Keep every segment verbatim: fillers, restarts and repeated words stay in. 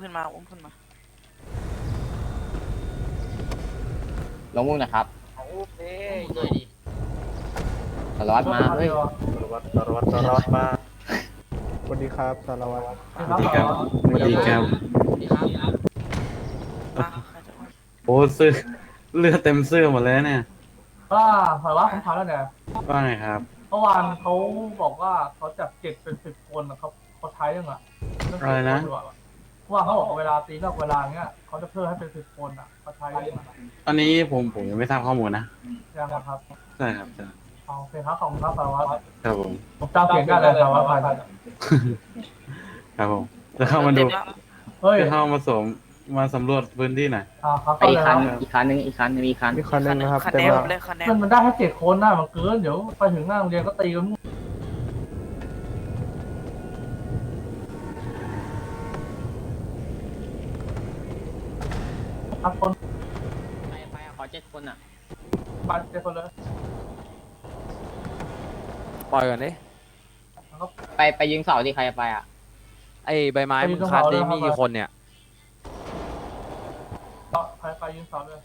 ขึ้นมาอุ้มขึ้นมาลงมุ้งนะครับอุ้มเด้หน่อยดิสารวัตรมาเฮ้ยสารวัตรสารวัตรสารวัตรมาสวัสดีครับสารวัตรสวัสดีครับสวัสดีครับสวัสดีครับมาใครจะอุ้มโอ้เสื้อเลือดเต็มเสื้อหมดเลยเนี่ยว่าสารวัตรผมถามแล้วเนี่ยว่าไงครับเมื่อวานเขาบอกว่าเขาจับเจ็ดเป็นสิบคนนะเขาเขาใช้ยังอ่ะเมื่อวานเขาบอกเวลาตีนอกเวลาเงี้ยเขาจะเพิ่มให้เป็นสิบคนอ่ะเขาใช้ยังไงอันนี้ผมผมยังไม่ทราบข้อมูลนะยังครับใช่ครับใช่โอเคครับของครับสารวัตรครับผมผมจำเสียงได้เลยสารวัตรไปครับผมจะเข้ามาดูเฮ้ยจะเข้ามาสมมาสำรวจพื้นที่หน่อยอ่าครับไปอีกคันอีกคันนึงอีกคันนึงอีกคันมีคันหนึงนะครับคะแต่แนนว่าเลยคะแนนมันมันได้แค่เจ็ดคนนะมันเกินเดี๋ยวไปถึงหน้าโรงเรียนก็ตีกันครับคนไปไปขอเจ็ดคนอ่ะบาดเจ็ดคนเลยปล่อยก่อนดิไปไปยิงเสาที่ใครจะไปอ่ะไอ้ใบไม้มึงคัดได้มีกี่คนเนี่ยใครไปยืนสอนเลย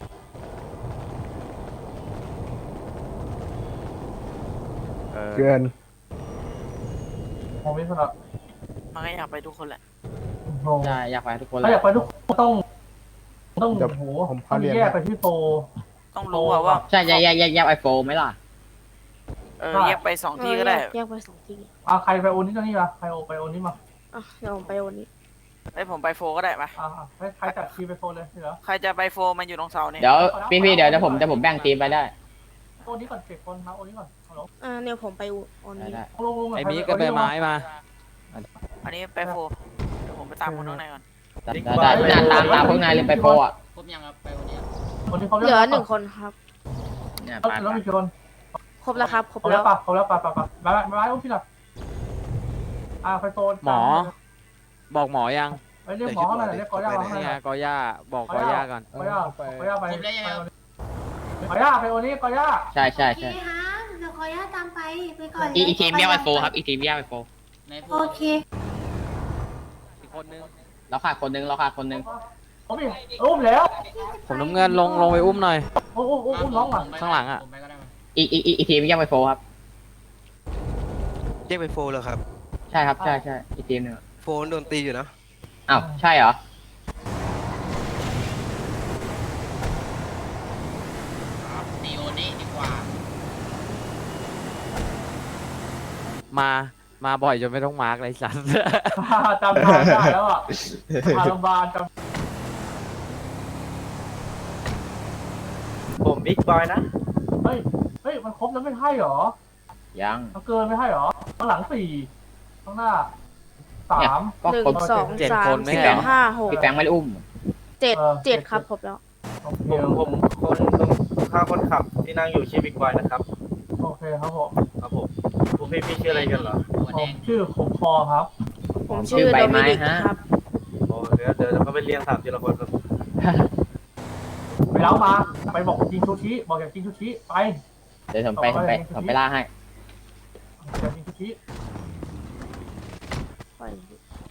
เออเกินผมไม่สนับมันก็อยากไปทุกคนแหละโอ้ใช่อยากไปทุกคนเลถ้าย อยากไปทุกคนต้อง ต้องเดี๋ยวโหผมต้พาองเรียนแยกไปที่โฟต้องรู้อะว่าใช่แยกแยกแยกแยกไอโฟไหมล่ะเออแยกไปสองที่ก็ได้แยกไปสองที่อ่ะใครไปโอนี้ตรงนี้มาใครโอไปโอนี้มาอ่ะเดี๋ยวผมไปวันนี้ไอ้ผมไปโฟก็ได้ปะอ่ะให้ใครจัดทีไปโฟเลยเหรอใครจะไปโฟมันอยู่ตรงเสาเนี่ยเดี๋ยวพี่พี่เดี๋ยวเดี๋ยวผมเดี๋ยวผมแบ่งทีมไปได้โอนี้ก่อนเจ็ดคนนะโอนี้ก่อนฮัลโหลอ่าเนี่ยผมไปวันได้นี้ได้ลงลงไอ้มีกับใบไม้มาอันนี้ไปโฟเดี๋ยวผมไปตามคนข้างในก่อนได้ได้ได้ตามตามพวกนายเลยไปโฟอ่ะครบยังครับไปวันเนี้ยคนที่เขาเหลือหนึ่งคนครับเนี่ยแล้ไปวมีกี่คนครบแล้วครับ ครบเขาแล้แล้ว วปะเขาแล้วปะปะปะมามามาอุ้มพี่หน่อยอ่ะไปโซนหมอ บอกหมอยังไปเรียกหมอข้างในเรียกกอย่าข้างในนี่ไงกอย่าบอกกอย่าก่อนกอย่ากอย่าไปกอย่าไปโอนี้กอย่าใช่ใช่ใช่โอเคค่ะเดี๋ยวขออนุญาตตามไปไปก่อนอีอีทีมแยกไอโฟครับอีทีมแยกไอโฟในโพโอเคอีกคนนึงเราขาดคนนึงเราขาดคนนึงผมอีกอุ้มแล้วผมน้ำเงินลงลงไปอุ้มหน่อยอุ้มอุ้มอุ้มน้องอ่ะข้างหลังอะผมไปก็ได้ไหมอีอีอีอีทีมแยกไอโฟครับแยกไปโฟเหรอครับใช่ครับใช่ใช่อีทีมหนึ่งโฟนโดนตีอยู่นะอ้าวใช่เหรอตีโอนี้ดีกว่ามา มาบ่อยจนไม่ต้องมาร์กเลยสัสจำทางได้แล้วอ่ะทางโรงพยาบาลจผมบิ๊กบอยนะำเฮ้ยเฮ้ยมันครบแล้วไม่ให้หรอยังมันเกินไม่ให้หรอข้างหลังสี่ข้างหน้าสามก็หนึ่งครบสองเจ็ดสามคนไม่สี่เหรอห้าหกพี่แฟงไม่ได้อุ้มเจ็ดเจ็ดครับครบแล้วโอเคผมผมคนข้าคนขับที่นั่งอยู่ชื่อบิ๊กบอยนะครับโอเคครับผมครับผมพวกพี่พี่ชื่ออะไรกันเหรอหัวผแดมงชื่อขมคอครับผมชื่อโดมินิกครับโอ้เดี๋ยวเดี๋ยวเขาไปเรียงถามทีละคนครับไปแล้วมาไปบอกกินชูชิบอกอยากกินชูชิไปเดี๋ยวผมไปผมไปผมไปล่าให้อยากกินชูชิปล่อย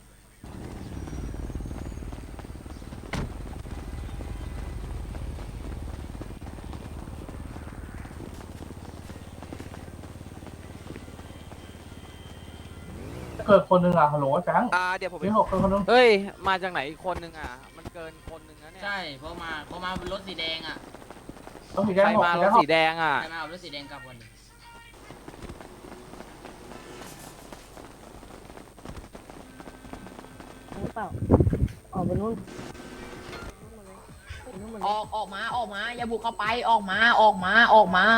เกิดคนหนึ่งอ่ะฮัลโหลแฟงอ่า เดี๋ยวผมไปมีหกคนคนหนึงเฮ้ย มาจากไหนอีกคนนึงอ่ะ มันเกินคนนึงนะเนี่ยใช่เพราะมาเพราะมาบนรถสีแดงอ่ะต้องสีแดใครงหกมารสีแดถงหสีกแดงอ่ะใครมาเอารถสีแดงกลับวันนี้หรือเปล่าออกไปนู่นไปนู่นหมดอเลยอกออกมาออกมาอย่าบุกเข้าไปออกมาออกมาออกมา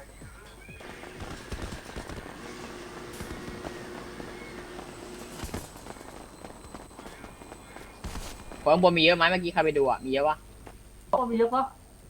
ข้างบนมีเยอะไหมเมื่อกี้ใครไปดูอ่ะมีเยอะปะต้องมีเยอะปะ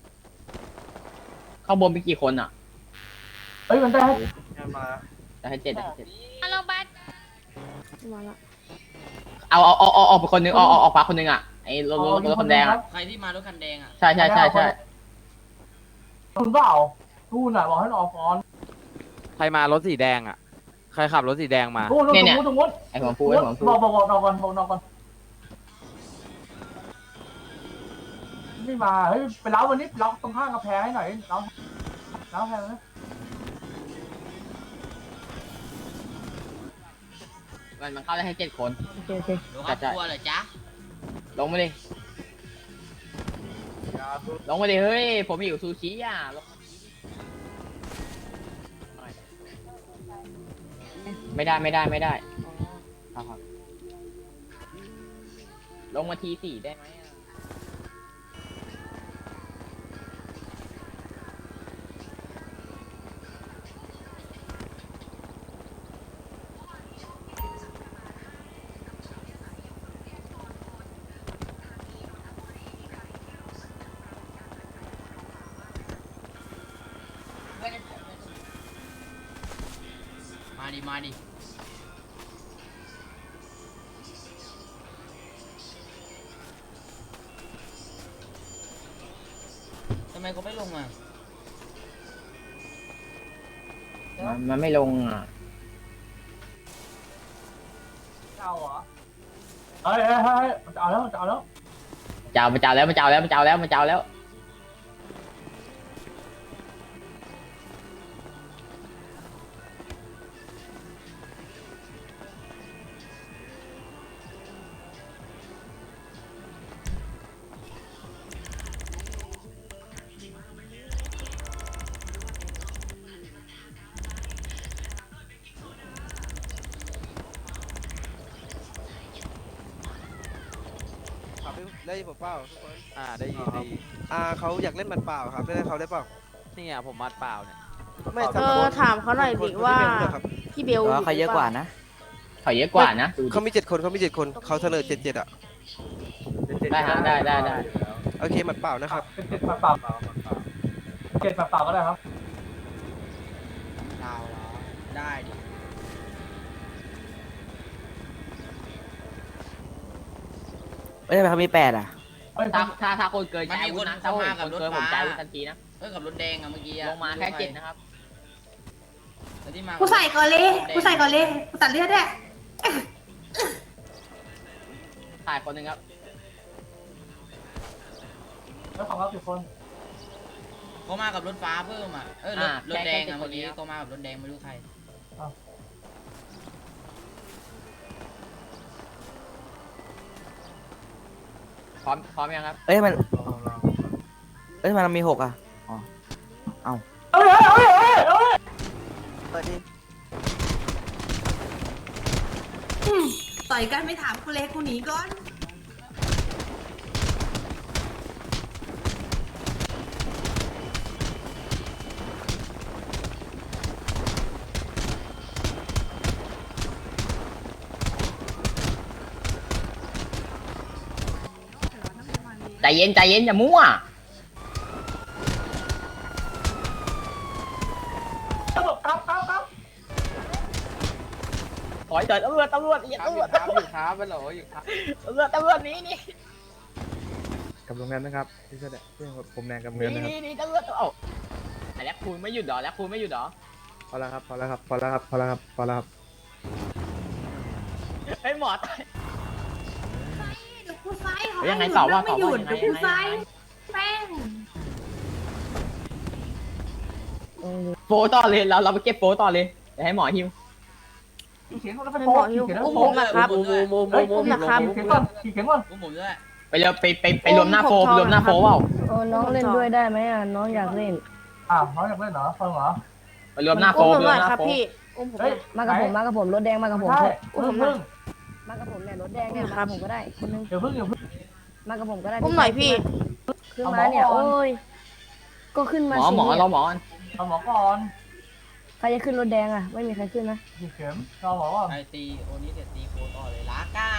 ข้างบนมีกี่คนอ่ะเฮ้ยมันได้ให้มาได้ให้เจ็ดได้ให้เจ็ดมาแล้วบัสมาละเอาเอาเอาเอาออกไปคนนึงออกออกออกขวาคนนึงอ่ะไอ้รถรถรถคนแดงอ่ะใครที่มารถคันแดงอ่ะใช่ใช่ใช่ใช่คุณเปล่าทูนอ่ะบอกให้ออกก่อนใครมารถสีแดงอ่ะ ใครขับรถสีแดงมาทูนตรงนู้นตรงนู้นไอ้หัวฟูไอ้หัวฟูบอกบอกบอกนอนก่อนบอกนอนก่อนไม่มาเฮ้ยไปเล้าวันนี้เล้าตรงข้างกระแพงให้หน่อยเล้าเล้าแพงนะมันมันเข้าได้แค่เจ็ดคนโอเคโอเคดูครับจัดกลัวเหรอจ๊ะลงมาดิลงมาดิเฮ้ยผมหิวซูชิอ่ะลงมาดิไม่ได้ไม่ได้ไม่ได้ครับครับลงมาทีสี่ได้ไหมอะมาดิมาดิทำไมกูไม่ลงอ่ะมันมันไม่ลงอ่ะเอาเหรอเฮ้ยเฮ้ยเฮ้ยมันจะเอาแล้วมันจะเอาแล้วเจ้ามันเจ้าแล้วมันเจ้าแล้วมันเจ้าแล้วมันเจ้าแล้วได้ยินผมเปล่าทุกคนอ่าได้ยินได้ยินอ่าเขาอยากเล่นมันเปล่าครับเล่นให้เขาได้เปล่านี่อ่ะผมมัดเปล่าเนี่ยไม่เออถามเขาหน่อยดิว่าพี่เบลอยู่เขาเยอะกว่านะเขาเยอะกว่านะดูดิเขามีเจ็ดคนเขามีเจ็ดคนเขาเสนอเจ็ดเจ็ดอ่ะได้ฮะได้ได้ได้โอเคมันเปล่านะครับเป็นเจ็ดมาเปล่าเจ็ดมาเปล่าก็ได้ครับเราเหรอได้ดิเอ้ยทำไมเขามีแปดอ่ะเฮ้ยถ้าถ้าถ้าคนเกินใจอาวุธนะถ้าคนเกินผมใจอาวุธทันทีนะเอ้ยกับรถแดงอะเมื่อกี้อะลงมาแค่เจ็ดนะครับแล้วที่มากูใส่ก่อนเลยกูใส่ก่อนเลยกูตัดเลือดด้วยถ่ายคนหนึ่งครับแล้วของเราสิบคนเขามากับรถฟ้าเพิ่มอ่ะเอ้ยรถรถแดงอะเมื่อกี้เขามากับรถแดงไม่รู้ใครพร้อมพร้อมยังครับเอ้ยมัน เอ้ยมันมีหกอ่ะ อ๋อ เอาเอาเลยเอาเลยเอาเลยเอาเลยเปิดดิอืมต่อยกันไม่ถามกูเลยกูหนีก่อนใจเย็นใจเย็นอย่ามั่วตำรวจครับครับครับถอยเถิดตำรวจตำรวจอย่าตำรวจตำรวจครับไปหรออยู่ครับตำรวจตำรวจหนี้นี่กับโรงงานนะครับที่แสดงที่ผมแดงกับหเงินนี่นะครับนี่นี่ตำรวจเอ้าแต่แล้วคุณไม่หยุดเหรอแล้วคุณไม่หยุดเหรอพอแล้วครับพอแล้วครับพอแล้วครับพอแล้วครับพอแล้วครับเฮ้ยหมอตายเดี๋ยวกูไฟเขายังไงให้ต่อว่าไม่ต่อหยุว่าดยังไงเดี๋ยวกูไฟยังไงแป้งโฟต่อเลยเราเราไปเก็บโฟต่อเลยเดี๋ยวให้หมอฮิวขี่เข็นก่อนแล้วไม่ไปหมโป๊อหิวขี่เข็นแล้วอุ้มไปผโป๊มนะครับโมโมโมโมเฮ้ยโมขี่โมเข็นขี่เข็นก่อนขี่เข็นก่อนอุ้มผมด้วยไปเร็วไปไปไปรวมหน้าโฟไปรวมหน้าโฟเปล่าเออน้องเล่นด้วยได้ไหมอ่ะน้องอยากเล่นอ่าวน้องอยากเล่นเหรอฟังเหรอไปรวมหน้าโฟอุ้มผมไปรหวน่มอยหน้าครับโฟพี่อุ้มผมหเฮ้น่ยอยมากับผมมากับผมรถแดงมากับผมใช่เถอะอุ้มพึ่งมากับผมเนี่ยรถแดงเนี่ยมากับผมก็ได้คนนึงเดี๋ยวพึ่งเดี๋ยวพึ่งมากับผมก็ได้อุ้มหน่อยพี่ขึ้นมาเนี่ยเอาหมอก่อนโอ้ยก็ขึ้นหมามอสิหมอเนี่ยเราหมอเอาหมอก่อนใครจะขึ้นรถแดงอ่ะไม่มีใครขึ้นนะขี่เข็มเอาหมอก่อนไอตีโอนี้เสร็จตีโคต่อเลยลากัน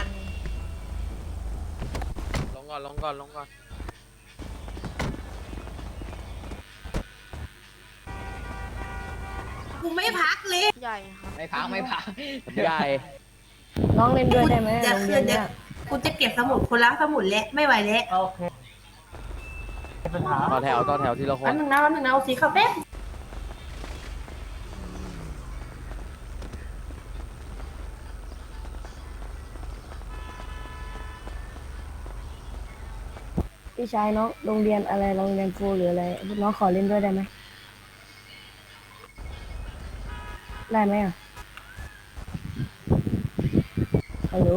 ลงก่อนลงก่อนลงก่อนกูไม่พักเลยใหญ่ครับไม่พักไม่พักใหญ่น้องเล่นด้วยได้ไหมเดี๋ยวโรงคืเรียนนเดี๋เนี่ยวยกูจะเก็บสมุดคนละสมุดแล้วไม่ไหวแล้วโอเคไม่เป็นปัญหาต่อแถวต่อแถวทีละคแป๊นบนึงนะแป๊บนึงนะเอาสีขาวแป๊บพี่ชายน้องโรงเรียนอะไรโรงเรียนครูหรืออะไรน้องขอเล่นด้วยได้ไหมได้ไหมอ่ะฮัลโหล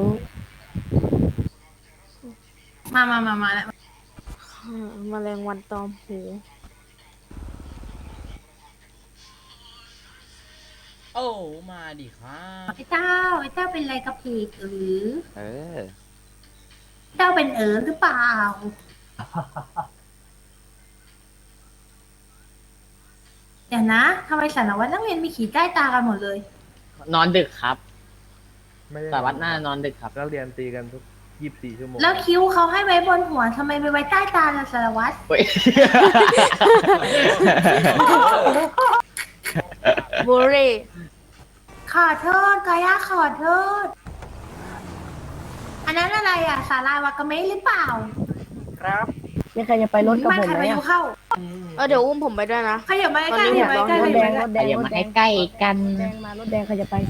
มามามามาแล้วแมลงวันตอมหูโอ้มาดิครับไอ้เต้าไอ้เต้าเป็นอะไรกับผีหรือเออเต้าเป็นเอ๋อหรือเปล่า เดี๋ยวนะทำไมสารวัตรนักเรียนมีขีดใต้ตากันหมดเลยนอนดึกครับไม่ได้สารวัตรหน้านอนดึกครับนักเรียนตีกันทุกยี่สิบสี่ชั่วโมงแล้วคิ้วเขาให้ไว้บนหัวทำไมไม่ไว้ใต้ตาล่ะสารวัตรเฮ้ยบุรีขอโทษกายาขอโทษ อันนั้นอะไรอ่ะ สาลาวากาเมะหรือเปล่าครับมีใครจะไปรถกับไม่ผมใครไหมไปอ่ะดูเข้าเออเดี๋ยวอุ้มผมไปด้วยนะขยับมาใกล้ๆขยับมาใกล้ๆรขถแดยับงมารถแดงอย่ารถมาแดงใกล้ๆกันรถแดงมารถแดงใครจะไป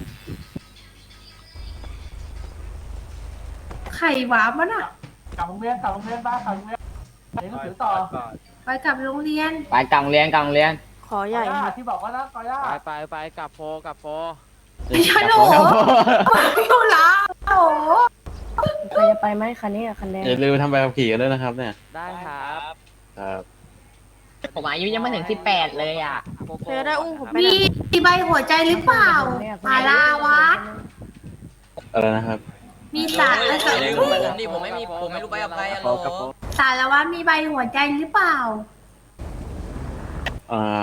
ไข่หวานมันอ่ะกลับโรงเรียนกลับโรงเรียนบ้านกลับโรงเรียนเรียนหนังสือต่อไปกลับโรงเรียนไปกลางเรียนกลางเรียนขอใหญ่กอย่าค่ะที่บอกว่านะกอย่าไปไปไปกลับโฟกลับโฟไม่ใช่หนู ไม่อยู่แล้วโอ้โหใครจะไปไหมคันนี้อ่ะคันแดงอย่าลืมทำใบขับขี่กันด้วยนะครับเนี่ยได้ครับครับผมอายุยังไม่ถึงสิบแปดเลยอ่ะโกโก้เธอได้อุ้มผมไปมีนะมีใบหัวใจหรือเปล่าสาลาวัดอะไรนะครับมีสารเอ้ยสารเอ้ยผมผมดิผมไม่มีผมไม่รู้ไปกับใครอะโหลสารวัตรมีใบหัวใจหรือเปล่าอ่า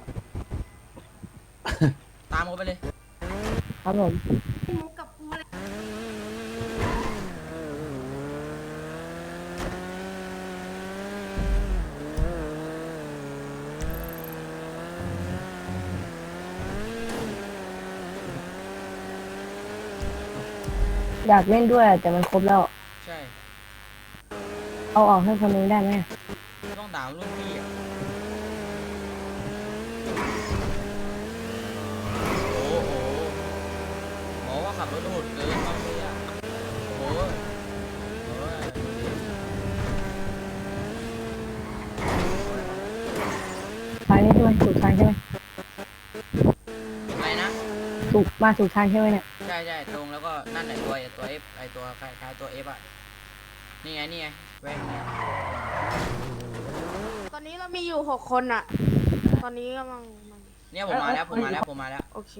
ตามเขาไปเลยครับผมมุกกับกูเลยอยากเล่นด้วยแต่มันครบแล้วใช่เอาออกให้คนนึงได้ไหมต้องด่ารุ่นพี่อะโอ้โหหมอว่าขับรถโหดเกินบางทีอะโอ้ยโอ้ยทางนี้ใช่ไหมถูกทางใช่ไหมอะไรนะถูกมาถูกทางใช่ไหมเนี่ยใช่ใช่ตรงแล้วก็นั่นแหละตัวตัว F ไอตัวคล้ายๆตัว F อ่ะ นี่ไงนี่ไงแว่นตอนนี้เรามีอยู่หกคนอะตอนนี้กำลังเนี่ยผมมาแล้วผมมาแล้วผมมาแล้วโอเค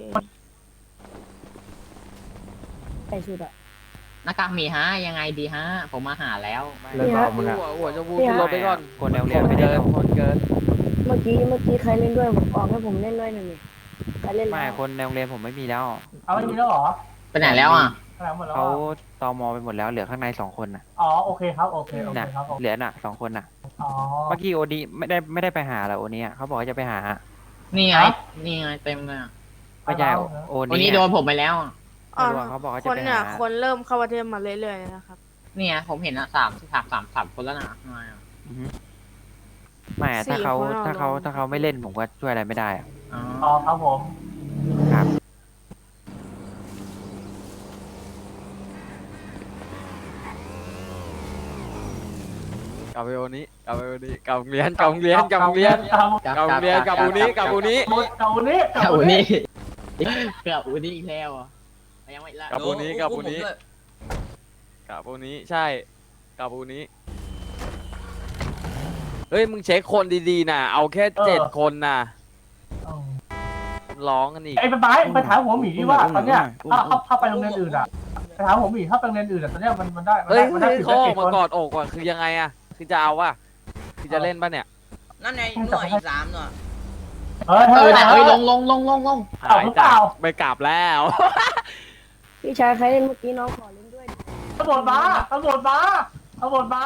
ใส่ชุดอ่ะหน้ากากหมีฮะยังไงดีฮะ ผมมาหาแล้วเลิกเอามึงอ่ะหัวหัวจะวูเนี่ยลบไปก่อนคนแนวคเรียนนไม่ได้เกินแล้วคนเกินเมื่อกี้เมื่อกี้ใครเล่นด้วยผมออกให้ผมเล่นด้วยหน่อยดิใครเล่นไม่แล้วคนแนวเรียนผมไม่มีแล้วเอาไม่มีแล้วเหรอไปไหนแล้วอ่ะแถลงหมดแล้วเขาอ่ะตมไปหมดแล้วเหลือข้างในสองคนน่ะอ๋อโอเคครับโอเคโอเคน่ะครับผมเหลือน่ะสองคนน่ะอ๋อเมื่อกี้โอดีไม่ได้ไม่ได้ไปหาเหรอโอนี้เขาบอกว่าจะไปหานี่ไง นี่ไงเต็มเลยอะไม่ใช่โอวันนี้นี้โดนผมไปแล้วอะอ๋อไม่รู้อะเขาบอกว่าคจะนไปเนี่ยหาคนเริ่มเข้าประเทศมาเรื่อยๆเลยนะครับนี่ไงผมเห็นอะสามสามสามสามคนแล้วนะทำไมอะอือฮึไม่อะสี่ถ้าเขาคนเอาถ้าเขาลงถ้าเขาไม่เล่นผมก็ช่วยอะไรไม่ได้อะอ๋ออ๋อครับผมครับกลับไปโอนี้กลับไปโอนี้กลับโรงเรียนกลับโรงเรียนกลับโรงเรียนครับกลับโรงเรียนกลับอูนี้กลับอูนี้เก่านี้เกับอุนี่เกับอุนี่อีกแล้วอ่ะยังไม่ละกลับอูนี้กลับอูนี้อุ้มผมด้วยกลับอูนี้ใช่กลับอูนี้เฮ้ยมึงเช็คคนดีๆนะเอาแค่เจ็ดคนนะร้องกันอีกไอ้ไปไปไปถามหัวหมีว่าตอนเนี้ยถ้าถ้าถ้าไปโรงเรียนอื่นอ่ะไปถามหัวหมีถ้าไปโรงเรียนอื่นอ่ะตอนเนี้ยมันมันได้มันเฮ้ยได้มันได้เฮ้ยสิบเขาออกคมาน กอดอกว่ะคือยังไงอะคือจะเอาว่ะคือจะเล่นป่ะเนี่ยนั่นไงหน่วยอีกสามหน่วยเฮ้ยเอเฮ้อย น่ะเฮ้เอ้ยยลงลงลงลงลงเอาหายหรือเปจากล่าไปกลับแล้วพี่ชายใครเล่นเมื่อกี้น้องขอเล่นด้วยตำรวจมาตำรวจมาตำรวจมา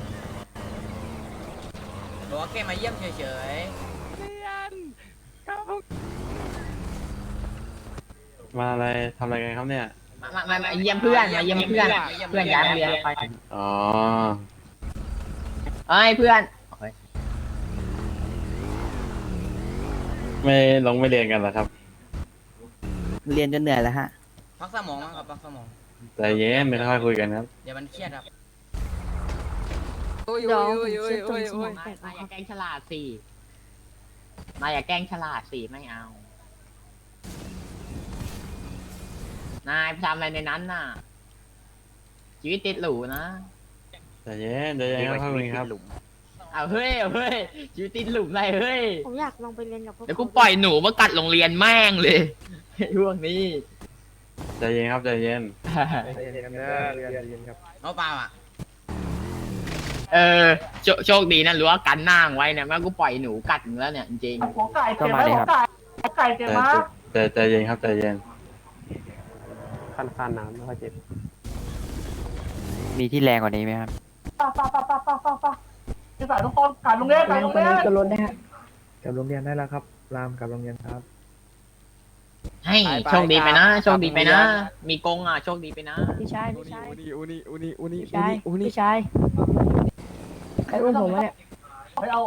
บอกว่าแค่มาเยี่ยมเฉยมาอะไรทำอะไรกันครับเนี่ยมามามาเยี่ยมเพื่อนมาเยี่ยมเพื่อนเพื่อนย้ายโรงเรียนไปอ๋อเอ้ยเพื่อนไม่ลงไม่เรียนกันเหรอครับเรียนจนเหนื่อยแล้วฮะๆพักสมองมั้งครับพักสมองใจเย็นไม่ค่อยคุยกันครับเดี๋ยวมันเครียดครับโอ้ยเดี๋ยวโอ้ผมยโอ้เช็ยดตรโอ้งยสโอ้มอย งแตนายกนายอย่านะครับแกล้งฉลาดสินายอย่าแกล้งฉลาดสิไม่เอา นายไปทำอะไรในนั้นน่ะ ชีวิตติดหรูนะใจเย็นใจเย็นครับพี่ครับเอาเฮ้ยเอาเฮ้ยชีวิตติดหลุมอะไรเฮ้ยผมอยากลองไปเรียนกับพวกเดี๋ยวกูเขาปล่อยหนูมากัดโรงเรียนแม่งเลยไอ้พวกนี้ใจเย็นครับใจเย็นใจเย็นกันเด้อใจเย็นครับเอาเปล่าอ่ะเออโชโชคดีนะรู้ว่ากันหน้างไว้เนี่ยแม่งกูปล่อยหนูกัดมึงแล้วเนี่ยจริงหัวไก่เจ็บไหมหัวไก่หัวไก่เจ็บใจไหมใจใจเย็นครับใจเย็นคันคันน้ำไม่ค่อยเจ็บมีที่แรงกว่านี้ไหมครับป้าป้าป้าป้าป้าป้าป้าจะใส่ทุกคนการโรงเรียนการแรงโรงกว่าเรียนี้นก็ลดได้ฮะกลับโรงเรียนได้แล้วครับ รามกลับโรงเรียนครับๆให้โชคดีไปนะโชคดีไปนะ มีกงอ่ะโชคดีไปนะพี่ชายอุพี่ชายนี่อุนี่อุนี่อุนี่พี่ชายอุนี่พี่ชายใครอุ้มผมวะเนี่ยไม่เอา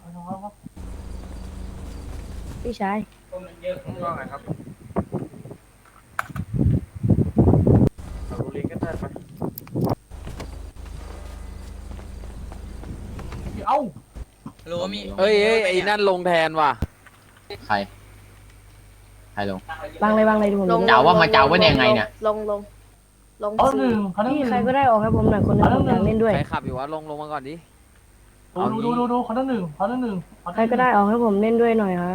พี่ชายว่าไงครับเอาโรงเรียนกันได้ปะเอาโหลมีเฮ้ยเฮ้ยไอ้นั่นลงแทนว่ะใคร ใครลงวางเลยวางเลยดูผมลงดูเจ้าว่ามาเจ้าว่ายังไงเนี่ยลงลงลงเอาหสี่นึ่งเขาหนึ่งพี่ใครก็ได้ออกให้ผมหน่อยคนหนึงผมอยากเล่นด้วยใครขับอยู่วะลงลงมาก่อนดิดูดูดูดูเขาหนึ่งเขาหนึ่งใครก็ได้ออกให้ผมเล่นด้วยหน่อยฮะ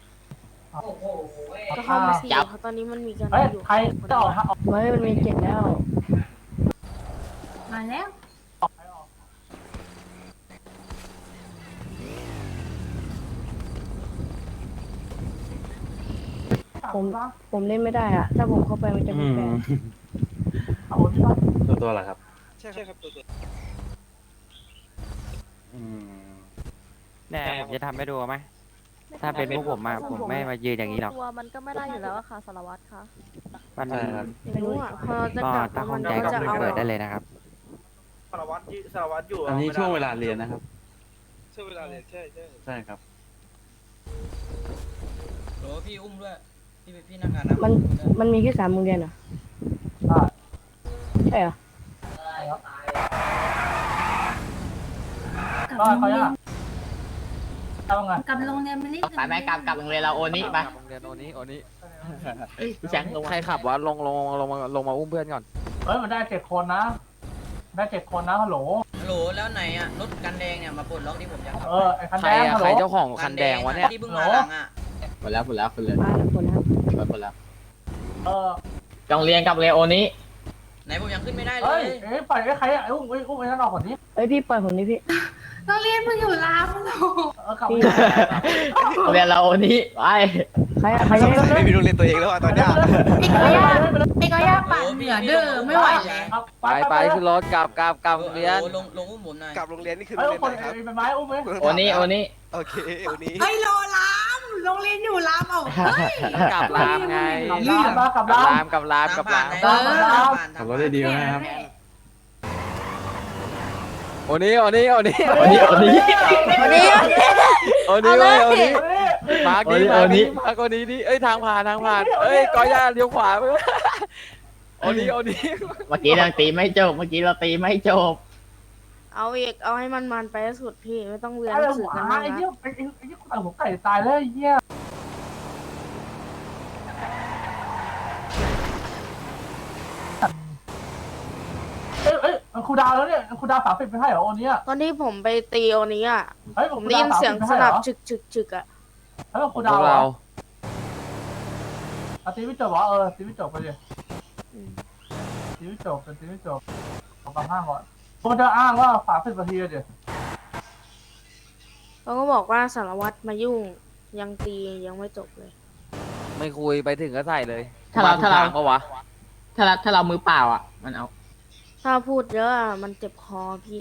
ก็เข้ามาสี่เพราะตอนนี้มันมีกันเฮ้ยอยู่ใครจะออกฮะออกเฮ้ยมันมีเจ็ดแล้วมาแล้วผมผมเล่นไม่ได้อะถ้าผมเข้าไปมันจะอืมีมแฟนเอาที่ว่าตัวตัวเหรอครับใช่ครับตัวตัวอืมแน่ผมจะทำให้ดูไหม ถ้าเป็นพวกผมอะผมไม่มายืนอย่างนี้หรอกตัวมันก็ไม่ได้อยู่แล้วอะค่ะสารวัตรคะมันใช่ครับไม่รู้อ่ะพอจะก็กลับถ้าข้มัองนใจก็ก็จะเอาเปิดได้เลยนะครับสารวัตรที่สารวัตรอยู่อันนี้ช่วงเวลาเรียนนะครับช่วงเวลาเรียนใช่ใช่ใช่ครับโหลพี่อุ้มด้วย พี่พี่นักงานนะมันมันมีแค่สามโรงเรียนเหรอได้ใช่เหรอได้เขาจะเอาไงกับโรงเรียนไม่ได้ไปไปกลับกลับโรงเรียนเราโอนี้ไปโรงเรียนโอนี้โอนี้พี่แชงลงใครขับวะลงลงลงมาลงมาอุ้มเพื่อนก่อนเฮ้ยมันได้เจ็ดคนนะ ได้เจ็ดคนนะฮัลโหลฮัลโหลแล้วไหนอ่ะรถกันแดงเนี่ยมาปลดล็อกที่ผมอยากขับเออไอ้คันใครแดงอะฮัลโหใคลรเจ้าของคันแดงวะเนี่ยที่เพิ่งมาหลังอ่ะหมดแล้วหมดแล้วคุณเลยมาแล้วคนนะครับหมดหมดแล้วเออโรงเรียนกับโรงเรียนโอนี้ไหนผมยังขึ้นไม่ได้เลเฮ้ยยเอ้ยปล่อยไอ้ใครอ่ะไอ้อุ้มไอ้อุ้มไอ้นั่นออกก่อนนี้เอ้ยพี่ปล่อยผมดิพี่โรงเรียนมันอยู่รามโลเออกลับพี่โรงเรียนเราโอนี้ไปใครอะใครจะไม่มีโรงเรียนตัวเองแล้วอ่ะตอนนี้ไอ้ก็ย่าไอ้ก็ย่าปั่นเหนือเด้อไม่ไหวแล้วไปไปขึ้นรถกลับกลับกลับโรงเรียนโหลลงลงอุ้มผมหน่อยกลับโรงเรียนนี่คือไอ้โรงอุ้มเรียนคนไหนครับไอ้ไม้อุ้มไหมโอนี้โอนี้โอเควันนี้เฮ้ยโลรามโรงเรียนอยู่รามเอาเฮ้ยกลับรามไงกลับร้านมากลับกลับร้านรามกลับรามกลับรามเออขับรถได้ดีไหมครับโอนี้โอนี้โอนี้โอนี้โอนี้วันนี้โอนี้เว้ยโอนี้เฮ้ยมาร์กนี้มาร์กนี้มาร์กโอนี้ดิเอ้ยทางผ่านทางผ่านเอ้ยกอย่าเลี้ยวขวาไปโอนี้โอนี้เมื่อกี้เราตีไม่จบเมื่อกี้เราตีไม่จบเอาอีกเอาให้มันมันไปให้สุดพี่ไม่ต้องเรียนไอ้หนังสืหัอวกันไอ้มากเหี้ยนะไอ้ไอ้ไอ้เหี้ยไอ้หัวไก่ตายแล้วไอ้เหี้ยเอ้ยเอ้ยครูดาวแล้วเนี่ยครูดาวสามสิบไม่ใช่เหรอวันนี้ตอนที่ผมไปตีโอนี้อ่ะเฮ้ยผมได้ยินเสียงสนับฉึกฉึกฉึกอ่ะเฮ้ยครูพดาววกเราอ่ะตีไม่จบวะเออตีไม่จบไปเลยตีไม่จบเป็นตีไม่จบขอมาห้างก่อนมันจะอ้างว่าสามสิบนาทีเดี๋ยวเขาก็บอกว่าสารวัตรมายุ่งยังตียังไม่จบเลยไม่คุยไปถึงก็ใส่เลยถ้าเราถ้าเราก็วะถ้าเราถ้าเรามือเปล่าอ่ะมันเอาถ้าพูดเยอะอะมันเจ็บคอพี่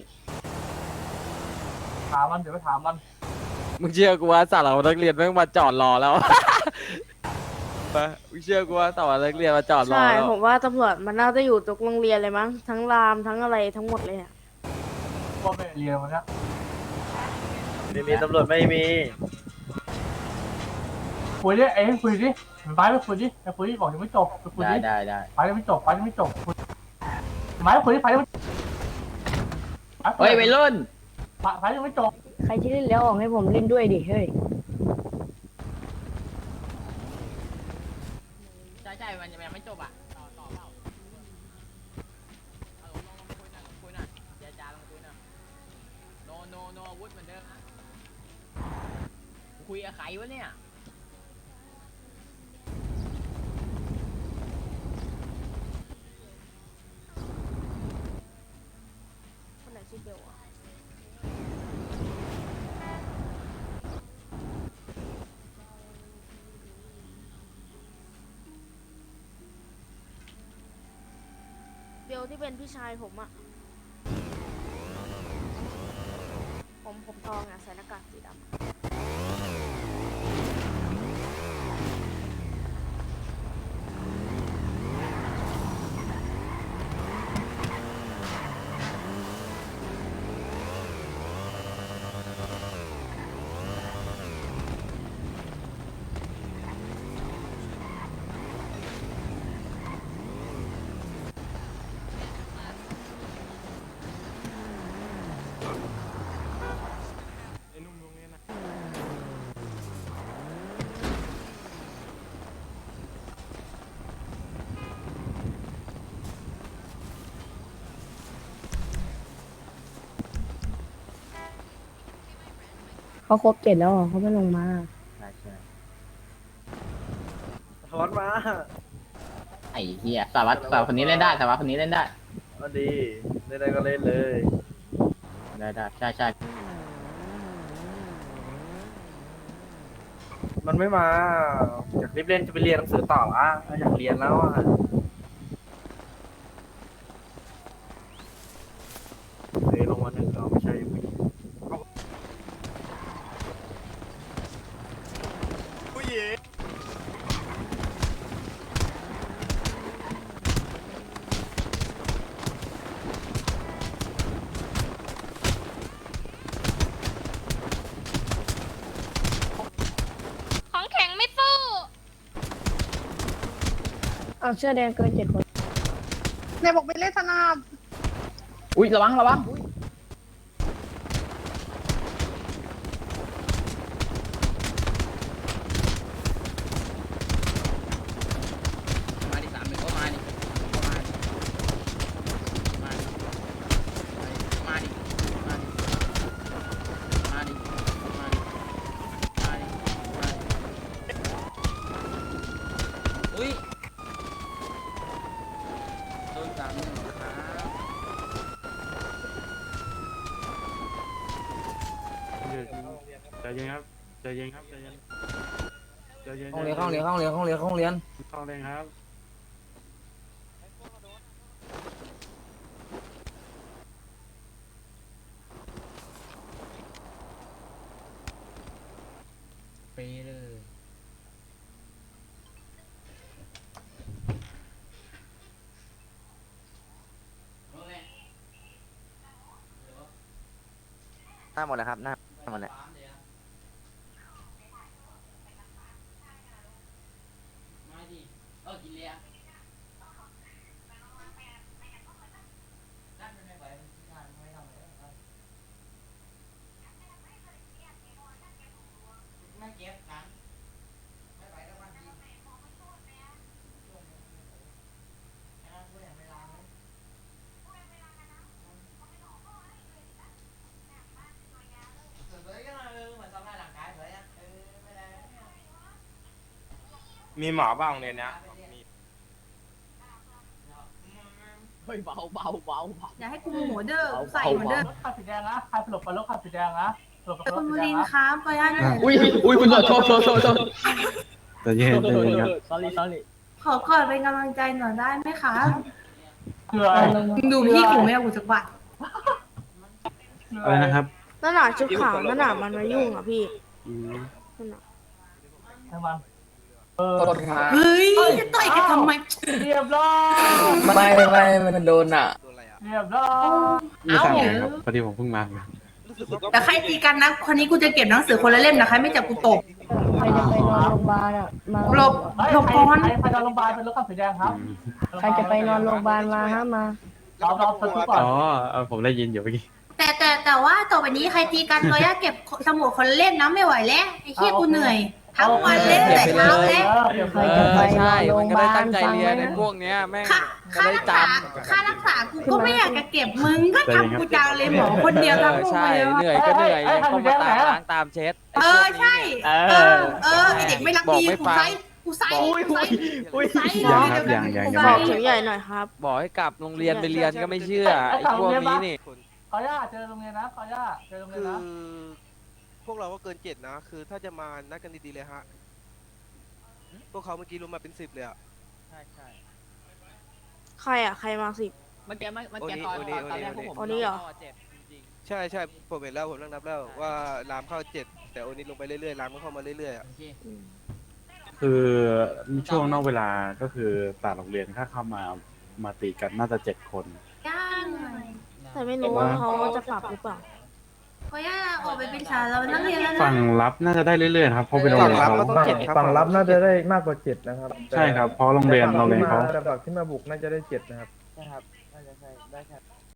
ถามมันเดี๋ยวไปถามมันมึงเชื่อกูว่าสาวเรานักเรียนแม่งมาจอดรอแล้วไปมึงเชื่อกูว่าสาวนักเรียนมาจอดรอใช่แล้วผมว่าตำรวจมันน่าจะอยู่ทุกโรงเรียนเลยมั้งทั้งรามทั้งอะไรทั้งหมดเลยอ่ะว่าไม่เรียนวันนี้ไม่มีตำรวจไม่มีคุยดิเอ้ยคุยดิไปไปคุยดิไปคุยดิบอกยังไม่จบไปคุยได้ดิได้ได้ไปยังไม่จบไปยังไม่จบคุยไม้คุยดิไปยังไม่เฮ้ยวัยรุ่นไฟยังไม่จบใครที่เล่นแล้วออกให้ผมเล่นด้วยดิเฮ้ยใช่ใช่มันยังไม่จบอ่ะต่อต่อเปล่าเอาลงลงคุยหน่อยคุยหน่อยเจรจาลงคุยหน่อยโนโนโนอาวุธเหมือนเดิมนะคุยกับใครวะเนี่ยคนไหนชื่อเบลอะเบลที่เป็นพี่ชายผมอะผมผมทองอะใส่หน้ากากสีดำอะเขาครบเจ็ดแล้วเหรอเขาไม่ลงมาใช่ใช่ถอนมาไอ้เหี้ยสารวัตรสารวัตรคนนี้เล่นได้สารวัตรคนนี้เล่นได้เอาดีเล่นได้ก็เล่นเลยได้ได้ใช่ใช่มันไม่มาอยากรีบเล่นจะไปเรียนหนังสือต่ออ่ะอยากเรียนแล้วอ่ะเฮ้ยลงมาหนึ่งเราไม่ใช่ผู้หญิงของแข็งไม่สู้เอาเสื้อแดงเกินเจ็ดคนไหนบอกไปเล่นสนามอุ้ยระวังระวังมาดิสามหนึ่งก็มาดิก็มาดิมาดิมาดิมาดิมาดิมาดิมาดิมาดิอุ้ยโดนสามหนึ่งครับใจเย็นครับใจเย็นครับใจเย็นใจเย็นห้องเรียนห้องเรียนห้องเรียนห้องเรียนห้องเรียนเข้าเลยครับไปเลยหน้าหมดแล้วครับหน้าหมดแล้วมาดิเออกินเลยอ่ะนั่นมันไม่ไหวมันงานไม่ทำเลยไม่เก็บกันไม่ไหวแล้ววันดีมีหมอบ้างเรียนเนี้ยเฮ้ยเบาเบาเบาเบาอย่าให้กูโมโหเด้อใส่เหมือนเดิมรถคันสีแดงนะใครหลบไปรถคันสีแดงนะหลบไปรคุถณสีบุแดริงนทนะร์ครับขออนุญาตหน่อยอุ้ยอุ้ยคุณโทษโทษโทษโทษโทษใจเย็นใจเย็นครับ sorry sorry ขอกอดเป็นกำลังใจหน่อยได้ไหมคะคืออะไรดูพี่กูไม่เอากูสักบาทอะไรนะครับนั่นน่ะชุดขาวนั่นน่ะมันมายุ่งอ่ะพี่อืมนั่นน่ะให้มันเออเฮ้ยจะต่อยกันทำไมเรียบร้อยไม่ไม่มันโดนอ่ะเรียบร้อยไม่ทราบเลยครับพอดีผมเพิ่งมาครับแต่ใครตีกันนะคนนี้กูจะเก็บหนังสือคนละเล่มนะใครไม่จับกูตบใครจะไปนอนโรงพยาบาลอ่ะ มาหลบเฮ้ยหลบใครก่อนใครไปนอนโรงพยาบาลเป็นรถคันสีแดงครับใครจะไปนอนโรงพยาบาลมาฮะมาเราเราสทุกก่อนอ๋อเออผมได้ยินอยู่เมื่อกี้แต่แต่แต่ว่าต่อไปนี้ใครตีกันก็อย่าเก็บสมุดคนเล่นนะไม่ไหวแล้วไอ้เหี้ยกูเหนื่อยทั้งวันเล่นแต่เช้าแล้วใครเอจะอไปนใช่อนโรมังนพก็ยาบาลได้ตั้งใจฟังเรียไว้นในนะพวกเนี้ยแม่งค่าจะค่าได้รักจษาค่ารักษากูก็ไม่อยากจะเก็บมึงก็ทำกูจังเลยหมอคนำเดียวทั้งเออโรงพใช่ยาบาลเหนื่อยก็เหนื่อยยังต้องมาตามล้างตามเช็ดเออใช่เอเอออเออไอเด็กไม่รักบอกดีไม่กูฟังไซกูไซกูไซกูไซยังครับยังยังยังบไม่อกเสียงใหญ่หน่อยครับบอกให้กลับโรงเรียนไปเรียนก็ไม่เชื่อไอ้พวกนี้นี่ขออนุญาตเจอโรงเรียนนะขออนุญาตเจอโรงเรียนคือนะพวกเราก็เกินเจ็ดนะ คือถ้าจะมานัดกันดีๆเลยฮะ พวกเขาเมื่อกี้รวมมาเป็นสิบเลยอะใครอ่ะ ใครมาสิเมื่อกี้เมื่อโอกี้นี้ตอนโอนี้ตอนแรกพวกผมโอนี้เหรอใช่ใช่ผมเห็นแล้วผมนั่งนับแล้วว่ารามเข้าเจ็ดแต่โอนี้ลงไปเรื่อยๆรามก็เข้ามาเรื่อยๆอะคือช่วงนอกเวลาก็คือต่างโรงเรียนถ้าเข้ามามาตีกันน่าจะเจ็ดคนย่าเหนื่อยแต่ไม่รู้ว่าเขาจะปรับหรือเปล่าขออนุญาตออกไปเป็นสาวเรานักเรียนแล้วนะฝั่งรับน่าจะได้เรื่อยๆนะครับเพราะเป็นโรงฝั่งเรียนรับเขาก็ต้องเจ็ดครับฝั่งรับน่าจะได้มากกว่าเจ็ดนะครับใช่ครับเพราะโรงเรียนโรงเรียนเขาแต่ฝั่งที่มาบุกน่าจะได้เจ็ดนะครับใช่ครับน่าจะใช่ได้ครับ